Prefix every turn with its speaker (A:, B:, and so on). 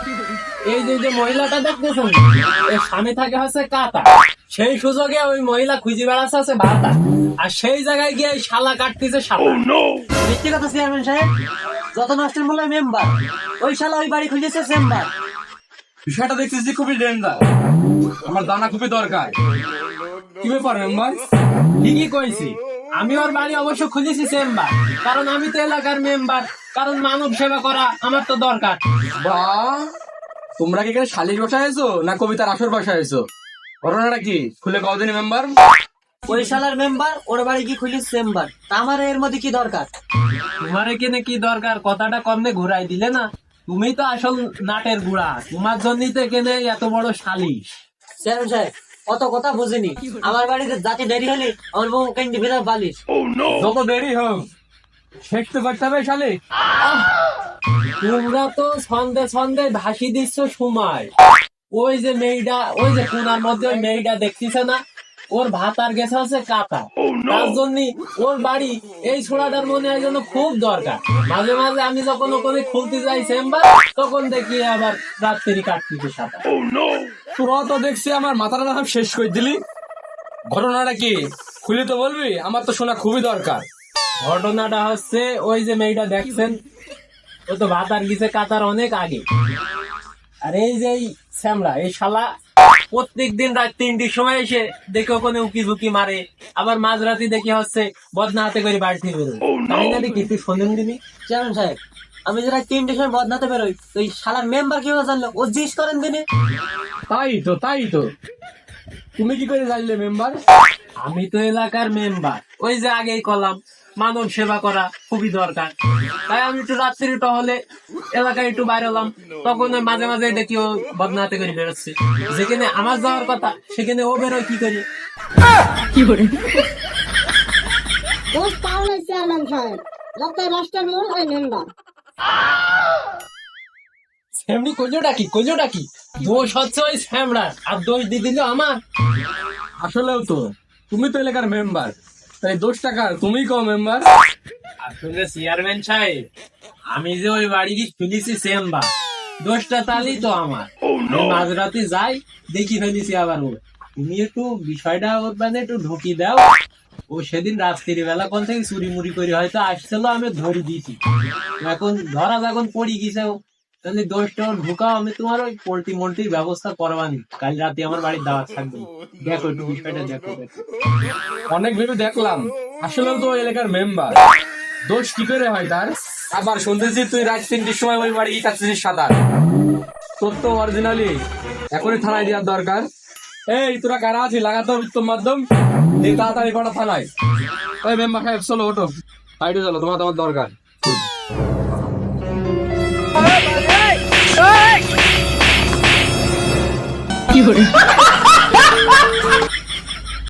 A: এই যে মহিলাটা দেখতেছেন, এর স্বামী থাকে হচ্ছে কাতা। সেই সুযোগে ওই মহিলা খুঁজে বেড়াচ্ছে আছে ভাতা, আর সেই জায়গায় গিয়ে এই শালা কাটতেছে শালা।
B: মিথ্যে কথা চেয়ারম্যান সাহেব, যত নষ্টের মূল্য মেম্বার, ওই শালা ওই বাড়ি খুঁজেছে চেম্বার।
C: বিষয়টা দেখতেছি খুবই ডেঞ্জার, আমার জানা খুবই দরকার। কি ব্যাপার মেম্বার?
A: ঠিকই কইছি, আমি ওর বাড়ি অবশ্য খুঁজেছি চেম্বার, কারণ আমি তো এলাকার মেম্বার, কারণ মানব সেবা করা আমার তো দরকার।
C: বা তোমরা কি এখানে শালিশ বসাইছো না কবিতার আসর বসাইছো? ঘটনাটা কি খুলে কও দিনি মেম্বার।
B: ওই শালার মেম্বার ওর বাড়ি কি খুঁজেছে চেম্বার, তা আমার এর মধ্যে কি দরকার?
A: তোমার এখানে কি দরকার, কথাটা কমনে ঘুরাই দিলে না? তুমি তো আসল নাটের গুড়া, তোমার জন্যই তো এখানে এত বড় সালিশ।
B: চেয়ারম্যান সাহেব, অত কথা বুঝিনি। আমার বাড়িতে যাতে দেরি হলে আমার বউ কেন্দ্রে ফেরা বালিশ।
C: যত দেরি হোক শেষ তো করতে হবে শালিক।
A: তোমরা তো ছন্দে ছন্দে ভাসি দিচ্ছ সময়। ওই যে মেয়েটা, ওই যে কোনার মধ্যে ওই মেয়েটা দেখতেছে না, ওর ভাতার গেছে হচ্ছে কাতা। তার জন্য ওর বাড়ি এই ছোড়াটার মনে হয় যেন খুব দরকার। মাঝে মাঝে আমি যখন ওখানে খুলতে যাই চেম্বার, তখন দেখি আবার রাত্রি কাটতেছে সাঁতার।
C: তোরা তো দেখছি আমার মাথাটা না শেষ করে দিলি। ঘটনাটা কি খুলে তো বলবি, আমার তো শোনা খুবই দরকার।
A: ঘটনাটা হচ্ছে, ওই যে মেয়েটা দেখছেন, ও তো ভাতার গেছে কাতার অনেক আগে। আর এই যে এই শ্যামলা, এই শালা প্রত্যেক দিন রাত 3টির সময় এসে দেখে ওখানে উকি ঝুঁকি মারে, আবার মাঝরাতি দেখি হচ্ছে বদনা হাতে করে বাড়ি থেকে বেরোয়। তাই না দেখি, তুই শোনেন দিবি।
B: চেয়ারম্যান সাহেব, আমি যারা 3টের সময় বদনাতে বেরোই, তো এই শালার মেম্বার কিভাবে জানলো? ও জিজ্ঞেস করেন দিনে।
C: তাই তো তুমি কি করে জানলে মেম্বার?
A: আমি তো এলাকার মেম্বার, ওই যে আগেই কলাম মানব সেবা করা খুবই দরকার। তাই আমি একটু রাত্রি টহলে এলাকায় একটু বাইরে হলাম, তখন ওই মাঝে মাঝে দেখি ও বদনাতে করে বেরোচ্ছে। যেখানে আমার যাওয়ার কথা সেখানে ও বেরোয় কি করি।
D: দোষ তাহলে চেয়ারম্যান সাহেব, যাতে রাষ্ট্রের মূল হয় মেম্বার।
A: এমনি কইলোটা কি দোষ হচ্ছে ওই শ্যামড়ার, আর দোষ দিয়ে দিল আমার।
C: আসলেও তো তুমি তো এলাকার মেম্বার, তাই 10 টাকা তুমি কও মেম্বার।
A: আসলে চেয়ারম্যান সাহেব, আমি যে ওই বাড়ি কি ফেলেছি চেম্বার, দোষটা তাহলেই তো আমার। আমি মাঝরাতে যাই, দেখি ফেলেছি আবার ও। তুমি একটু বিষয়টা ওর মানে একটু ঢুকি দাও। ও সেদিন রাত্রির বেলা কোন থেকে চুরি মুড়ি করে হয়তো আসছিল, আমি ধরে দিয়েছি। এখন ধরা যখন পড়ি গেছে, তাহলে দোষটা ওর ঢুকাও, আমি তোমার ওই পোল্ট্রি মোল্ট্রির ব্যবস্থা করবানি। কাল রাতে আমার বাড়ির দাওয়াত থাকবে, দেখো একটু বিষয়টা দেখো।
C: অনেক ভেবে দেখলাম, আসলেও তো ওই এলাকার মেম্বার, দোষ কি করে হয় তার? আবার শুনতেছি তুই রাত 3টির সময় ওই বাড়ি কাটতেছিস সাঁতার। তোর তো অরিজিনালি এখনই থানায় দেওয়ার দরকার। এই তোরা কারা আছিস, লাগাতো উত্তম মাধ্যম দিয়ে তাড়াতাড়ি করা থানায়। ওই মেম্বার সাহেব চলো ওঠো, সাইডে চলো, তোমার দরকার।
E: কি